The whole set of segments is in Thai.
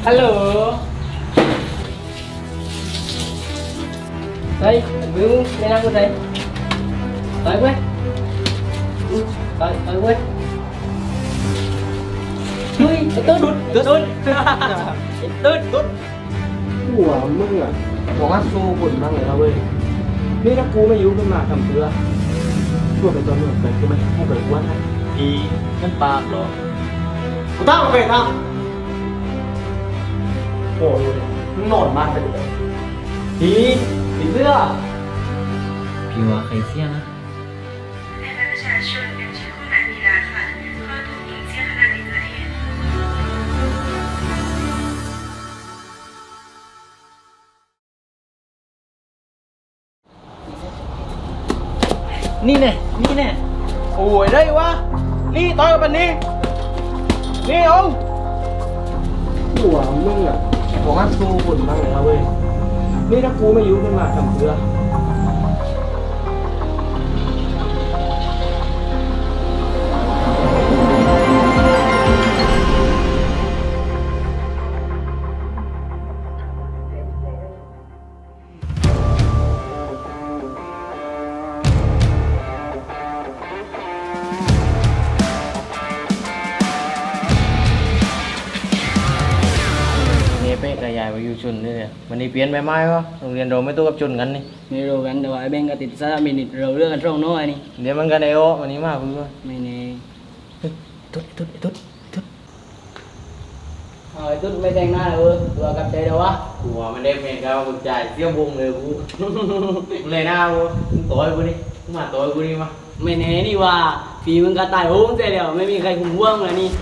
ฮัลโหลเฮ้ยมึงไม่นั่งกูเลยต่อยกูต่อยกูเฮ้ยไอ้ตุ๊ดตุ๊ดไอ้ตุ๊ดหัวมึงอ่ะบอกว่าสู้บุญมากเลยนะเว้ยนี่ถ้ากูไม่ยุ่งขึ้นมาทำเพื่อช่วยเป็นตัวหนึ่งไปกูไม่ให้เกิดวันนะอีนั่นปากเหรอกูตั้งไปตั้งโอ้ยมึงนอนมากไปเลยผีเสื้อพี่ว่าใครเสี้ยนะ台湾ประชาชนยังใช้ข้อหามีราค่ะข้อถูกยิงเสี้ยขนาดในประเทศนี่แน่โอ้ยได้วะนี่ต่อยกับมันนี่เอาหัวมึงอ่ะบอกว่าสู้บุญมากเลยนะเว้ยนี่ถ้ากูไม่ยุ่งขึ้นมาทำเพื่อเป๊ะกับยายไปอยู่ชุนนี่เนี่ยวันนี้เปลี่ยนไปไหมวะโรงเรียนเราไม่ตู้กับชุนกันนี่ไม่รู้กันแต่ว่าไอ้เบงก็ติดซะมินิเราเรื่องกันตรงโน้อยนี่เดี๋ยวมันกันไอโอวันนี้มากคุณว่าไม่แน่ตุ๊ดไอ้ตุ๊ดไม่แต่งหน้าเลยตัวกับใจเดี๋ยววะกูว่ามันได้เมนกับกูจ่ายเสี้ยวบุงเลยกูเลยหน้ากูต่อยกูนี่มาต่อยกูนี่มาไม่แน่นี่ว่าฝีมึงก็ตายโหงใจเดียวไม่มีใครคุมห่วงเลยนี่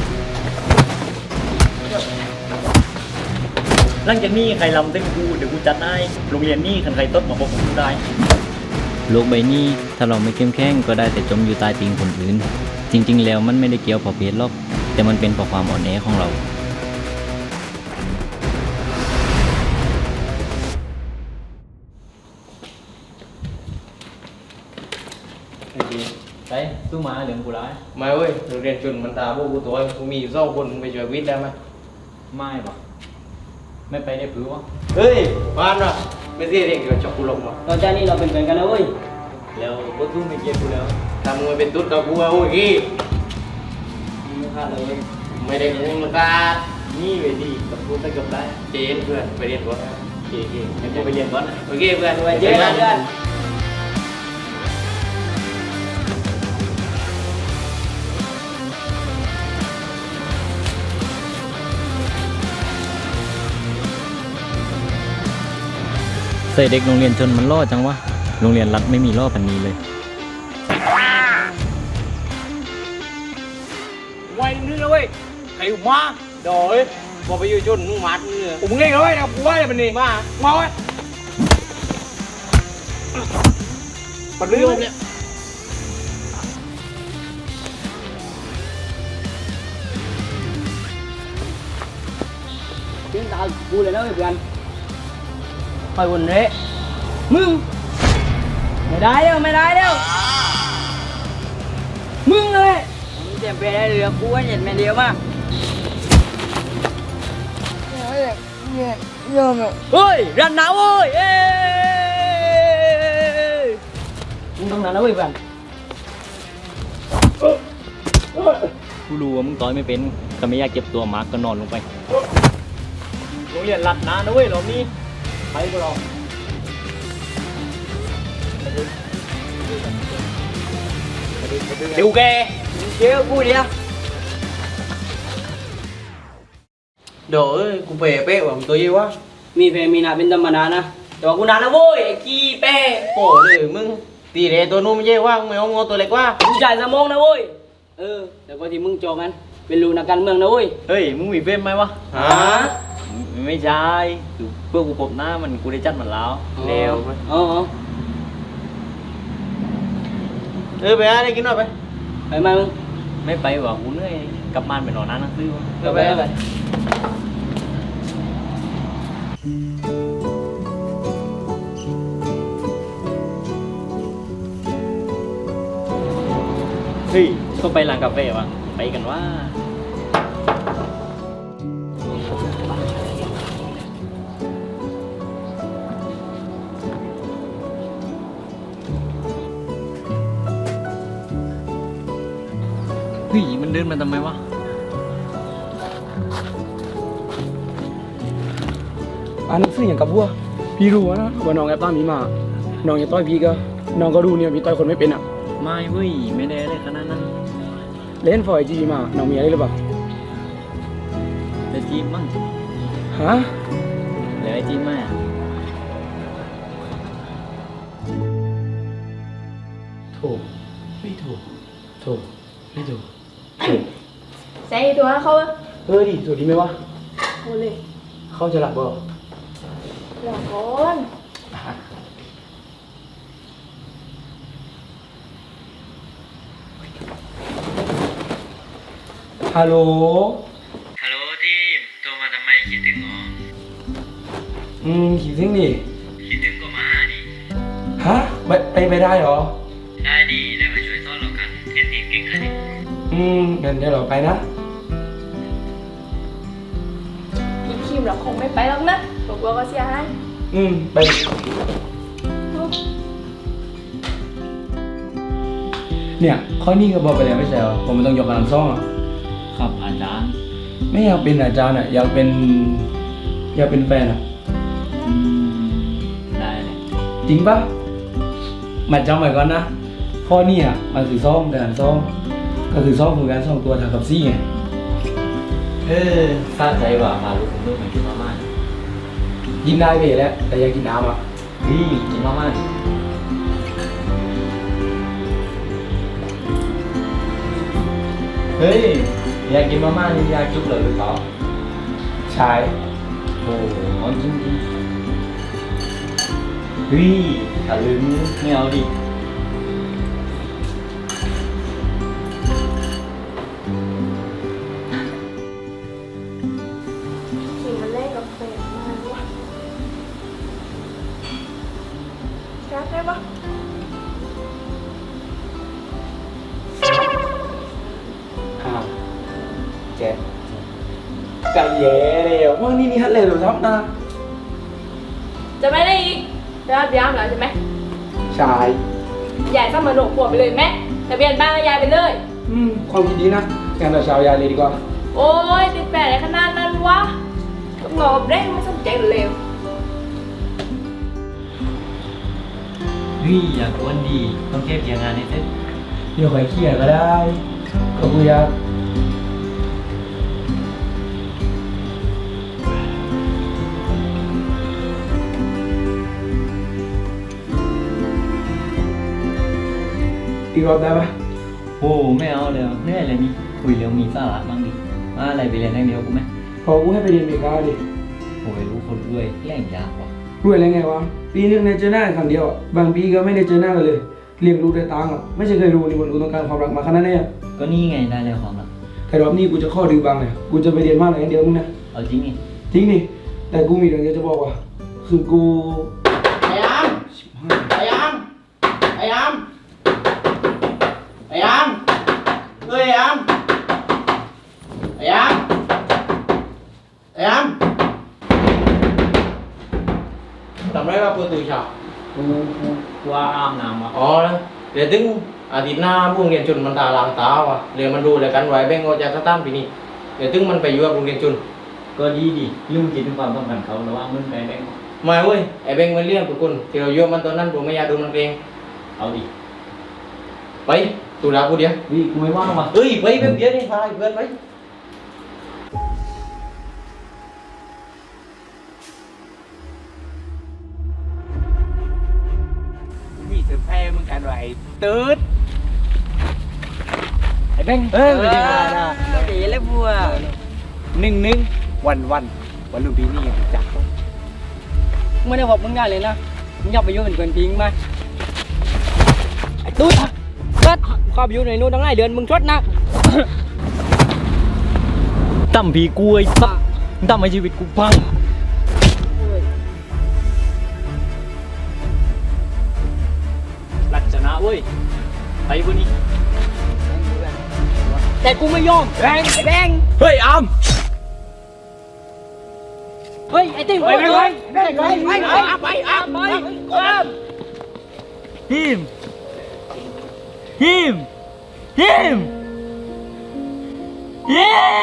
หลังจากนี้ใครลำเต้นกูเดี๋ยวกูจัดให้โรงเรียนนี่ใครต้นมาบอกกูได้โลกใบนี้ถ้าเราไม่เข้มแข็งก็ได้แต่จมอยู่ใต้ตีนคนอื่นจริงๆแล้วมันไม่ได้เกี่ยวเพราะเพศหรอกแต่มันเป็นเพราะความอ่อนแอของเราไปตู้มาเดี๋ยวกูร้ายไม่เว้ยโรงเรียนจุนมันตาพวกกูตัวกูมีสองคนไปช่วยวิทย์ได้ไหมไม่ปะไม่ไปได้ผือวะเฮ้ยบ้านวะไม่ใช่เด็กเดี๋ยวจับกูลงวะตอนนี้เราเป็นเพื่อนกันนะเว้ยแล้วก็ตู้ไม่เกี่ยวกูแล้วทำมึงเป็นตุ๊ดกับกูโอ้ยมึงฆ่าเลยไม่ได้มึงมันตานี่เวทีกับกูไปกับได้เจนเพื่อนไปเรียนก่อนโอเคงั้นกูไปเรียนก่อนโอเคเพื่อนเจนเพื่อนใส่เด็กโรงเรียนชนมันล่อจังวะโรงเรียนรัฐไม่มีล่อพันนี้เลยไว้นึงนะเว้ยใครมาโดยบอกไปอยู่จนมึงมัดมึงเลยผมเล่นเลยนะกูว่าจะเป็นนี่มาไว้ปัดเรื่องเนี่ย tiếng tao vuiเลยนะเพื่อนคอยวนเละมึงไม่ได้เด้อมึงเลยมึงเตรียมไปได้เรือกูว่าเห็นแม่เดียวมากเฮ้ยรันหนาวเว้ยมึงต้องนั้นนะเว้ยเพื่อนกูรู้ว่ามึงต่อยไม่เป็นก็ไม่อยากเจ็บตัวมากก็นอนลงไปโรงเรียนรัดนะเว้ยรอบนี้ไปกูรอเดี๋ยวแกเดี๋ยวกูเดียวเดี๋ยวกูเป๊ะว่ะมึงตัวยี่วะมีเพมีนาเป็นธรรมดานะแต่ว่ากูนานนะเว้ยไอ้ขี้เป้โอ้เลยมึงตีเรตัวนู้นไม่ใช่ว่ามึงไม่เอางอตัวเล็กว่ามึงจ่ายสมองนะเว้ยแต่ก็ที่มึงจองกันเป็นลูกนักการเมืองนะเว้ยเฮ้ยมึงมีเฟมไหมวะฮะไม่ใช่คือเพื่อกูพบหน้ามันกูได้จัดมันแล้วเร็วไปอะไรกินหน่อยไปมามึงไม่ไปว่ะกูเหนื่อยกลับบ้านไปนอนนั่งหนังสือไปเฮ้ยก็ไปร้านกาแฟวะไปกันว่าเฮ้ยมันเดินมาทำไมวะอ่านหนังสืออย่างกับบัวพี่รู้นะว่าน้องแอบตามพี่มาน้องอย่าต้อยพี่ก็น้องก็รู้เนี่ยพี่ต้อยคนไม่เป็นอ่ะไม่เว้ยไม่ได้เลยขนาดนั้นเล่นฟอยจีมาน้องมีอะไรหรือเปล่าแต่จีบมั้งฮะแล้วไอ้จีบมาถูกไม่ถูกถูกไม่ถูกถูกใส่ตัวเขาอะดิถูกดีไหมวะโอเลยเขาจะหลับบ่หลอกก่อนฮัลโหลฮัลโหลทีมโทรมาทำไมคิดถึงหรอคิดถึงดิคิดถึงก็มาดิฮะไปได้เหรอได้ดีได้มาช่วยต้อนเรากันเห็นทีมเก่งขนาดนี้งั้นเดี๋ยวเราไปนะอีคิมเราคงไม่ไปหรอกนะบอกว่าก็เสียหายไปเนี่ยข้อนี้ก็บอกไปแล้วไม่ใช่เหรอผมไม่ต้องยกกำลังซ่องอ่ะครับอาจารย์ไม่อยากเป็นอาจารย์อ่ะอยากเป็นแฟนอ่ะได้เลยจริงปะมาจำไว้ก่อนนะข้อนี้อ่ะมันคือซ่องแต่ซ่องก็คือซ่องคือการซ่องตัวทางกับซี่ไงทราบใจว่าพาลูกของลูกมากินมาม่ากินได้ไปแล้วแต่อยากกินน้ำอ่ะกินมาม่าดิเฮ้ยอยากกินมาม่านี่อยากจุ๊บเลยหรือเปล่าใช่โอ้โหจริงจริงเฮ้ยตะลึงไม่เอาดิคิมมันเล่นกับแฟนมากวะรักได้ปะเจ็ดไก่แย่เลยว่านี่ฮัทเลยหรือทับนะจะไม่ได้อีกรับย้ำแล้วใช่ไหมใช่ยายต้องมาโดดปวดไปเลยแม่ทะเบียนบ้านก็ยายไปเลยความคิดดีนะงั้นเราชาวยาเลยดีกว่าโอ้ยติดแปดอะไรขนาดนั้นวะต้องรอเร่งไม่สนใจเร็วเฮ้ยอยากอ้วนดีต้องเก็บเกี่ยงงานให้เสร็จเดี๋ยวใครเครียดก็ได้ก็กูอยากอีกรอบได้ปะโอ้ไม่เอาแล้วเหนื่อยเลยนี่คุยเรื่องมีสาระบ้างดิมาอะไรไปเรียนอย่างเดียวกูไหมพอกูให้ไปเรียนอเมริกาดิโอ้ยรู้คนด้วยแรงยากว่ะรวยอะไรไงวะปีนึงในเจอหน้ากันครั้งเดียวอะบางปีก็ไม่ได้เจอหน้ากันเลยเลี้ยงลูกด้วยตังค์อะไม่ใช่เคยรู้นี่มันกูต้องการความรักมาขนาดนี้อะก็นี่ไงได้แล้วความรักแต่รอบนี้กูจะข้อดื้อบางเลยกูจะไปเรียนมากเลยอย่างเดียวมึงนะเอาจริงนี่จริงดิแต่กูมีเรื่องเดียวจะบอกว่าคือกูไอ้ยามไอ้ยามไอ้ยามไอ้ยามเฮ้ยไอ้ยามไอ้ยามไอ้ยามทำไรมาเปิดตู้ฉากกูว่าอาบน้ำอ่ะอ๋อนะเดี๋ยวถึงอาทิตย์หน้าพวกเรียนจุนมันตาลามตาว่ะเรียนมันดูเลยกันไว้แบ่งออกจากสถานปีนี้เดี๋ยวถึงมันไปอยู่กับโรงเรียนจุนก็ดีดิลืมคิดถึงความต้องการเขาระหว่างมึงไปแบงค์มาเว้ยไอ้แบ่งมันเลี้ยงทุกคนที่เราโยมมันตอนนั้นผมไม่อยากดูมันเองเอาดิไปตูดากูเดียววิกูไม่ว่างว่ะเฮ้ยไปเพื่อนเดียวนี่พาไอ้เพื่อนไปมีเซอร์ไพรส์มึงกันไว้ตืดไอ้แบ่งเอ้ยไม่ได้มานะดีเลยบัว1-1วันรุ่นปีนี้ยังจักไม่ได้บอกมึงได้เลยนะมึงอยากไปยุ่งเป็นเพื่อนพิงไหมไอ้ตุ๊ดเกิดข้าไปอยู่ในนู้นตั้งหลายเดือนมึงชดนะตั้มผีกล้วยตั้มให้ชีวิตกูพังลักษณะเว้ยไปพวกนี้แต่กูไม่ยอมแบงไอ้แบงเฮ้ยอามเฮ้ยไอ้ติ๊งไปไปไปฮิมฮิมฮิมเย้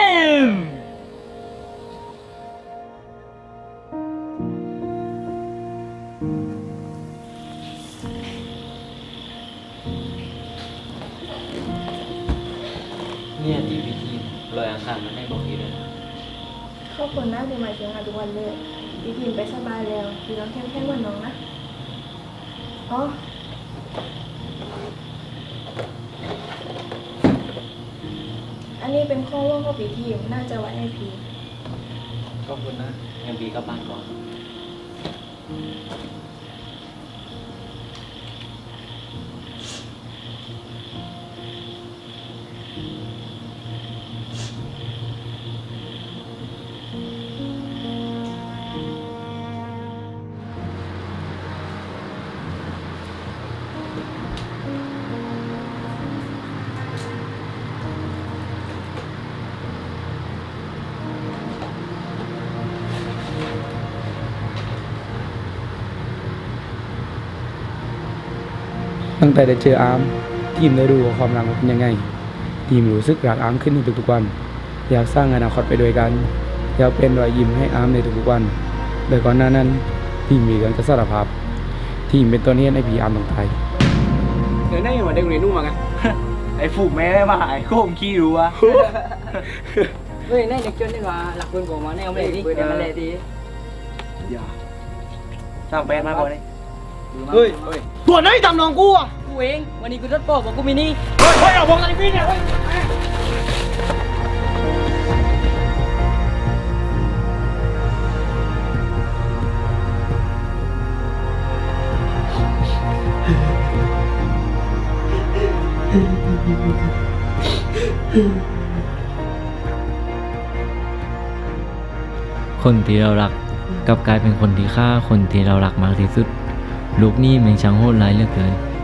เนี่ยที่พิธีลอยอังคารมันให้บอกทีเลยนะขอบคุณนะที่มาเชียงรายทุกวันเลยพี่พิมไปสบายแล้วพี่น้องเข้มแข็งเหมือนน้องนะอ๋ออันนี้เป็นข้อร่วมของพี่ทีมน่าจะไว้ให้พี่ขอบคุณนะงั้นปีกลับบ้านก่อนตั้งแต่ได้เจออาร์มทีมได้รู้ว่าความรักมันเป็นยังไง ทีมรู้สึกรักอาร์มขึ้นในทุกๆวัน อยากสร้างอนาคตไปด้วยกัน อยากเป็นรอยยิ้มให้อาร์มในทุกๆวันโดยก่อนหน้านั้นทีมมีเรื่องจะสารภาพทีมเป็นตัวเนี้ยในพีอาร์มต้องตายเดี๋ยวได้มาได้โรงเรียนนู่นมาไงไอ้ฝูกแม่มาหายโค้งขี้รู้วะเฮ้ยนี่เด็กจนนี่ว่าหลักปืนของมันแนวไม่ดีเดี๋ยวมันเลยดีอย่าสร้างแบรนด์มาก่อนเลยเฮ้ยตัวไหนทำน้องกูอ่ะกูเองวันนี้กูจะบอกกูมีนี่เฮ้ยเอาบอกกันพี่เนี่ยคนที่เรารักกลับกลายเป็นคนที่ฆ่าคนที่เรารักมากที่สุด ลูกนี่แม่งช่างโหดร้ายเหลือเกิน